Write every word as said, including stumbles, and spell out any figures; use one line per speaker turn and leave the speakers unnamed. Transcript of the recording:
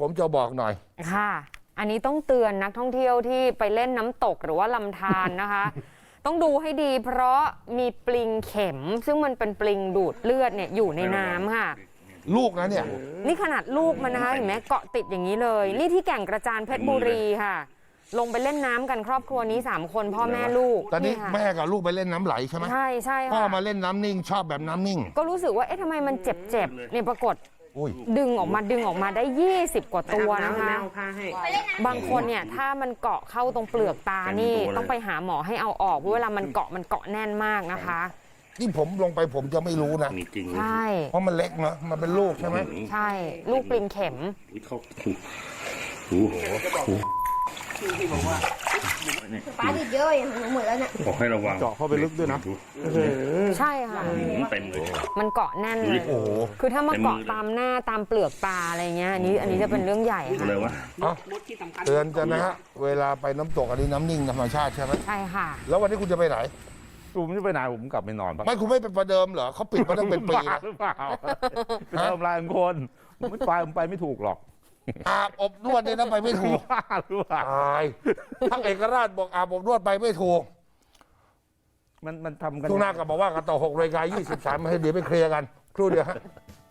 ผมจะบอกหน่อย
ค่ะอันนี้ต้องเตือนนักท่องเที่ยวที่ไปเล่นน้ำตกหรือว่าลำธารนะคะ ต้องดูให้ดีเพราะมีปลิงเข็มซึ่งมันเป็นปลิงดูดเลือดเนี่ยอยู่ในน้ำค่ะ
ลูกนะเนี่ย
นี่ขนาดลูกมันนะคะเห็นไหมเกาะติดอย่างนี้เลยนี่ที่แก่งกระจานเพชรบุรีค่ะลงไปเล่นน้ำกันครอบครัวนี้สามคนพ่อแม่ลูก
ตอนนี้แม่กับลูกไปเล่นน้ำไหลใช่ไหม
ใช่ใช่
พ่อมาเล่นน้ำนิ่งชอบแบบน้ำนิ่ง
ก็รู้สึกว่าเอ๊ะทำไมมันเจ็บเจ็บเนี่ยปรากฏดึงออกมาดึงออกมาได้ยี่สิบกว่าตัวนะคะบางคนเนี่ยถ้ามันเกาะเข้าตรงเปลือกตานี่ต้องไปหาหมอให้เอาออกเพราะเวลามันเกาะมันเกาะแน่นมากนะคะ
นี่ผมลงไปผมจะไม่รู้นะ
ใช่
เพราะมันเล็กเนาะมันเป็นลูกใช่ไหม
ใช่ลูกปลิงเข็ม
ปลาดิบเยอะอย่างหมดแล้วเนี่ย
บอกให้ระวัง
เจาะเข้าไปลึกด้วยนะ
ใช่ค่ะ
เต็มเลย
มันเกาะแน่นเลยคือถ้ามาเกาะตามหน้าตามเปลือกตาอะไรเงี้ยอันนี้อันนี้จะเป็นเรื่องใหญ่ค่ะ
เตือนกันนะฮะเวลาไปน้ำตกอันนี้น้ำนิ่งธรรมชาติใช่ไหม
ใช่ค่ะ
แล้ววันนี้คุณจะไปไหน
ผมจะไปไหนผมกลับไปนอนปะ
ไม่คุณไม่ไปประเดิมเหรอเขาปิดมาตั้งเป็นปี
หรือเปล่าเป็นทำลายคนผมไม่ไปผมไปไม่ถูกหรอก
อาบอบนวดเนี่ยนะไปไม่ถูก
หรือเปล่า
ตายทั้งเอกราชบอกอาบอบนวดไปไม่ถูก
มันมันทำกัน
ทุกหน้าก็บอกว่ากันต่อหกรายการยี่สิบสามให้เดี๋ยวไปเคลียร์กันครู่เดียวฮะ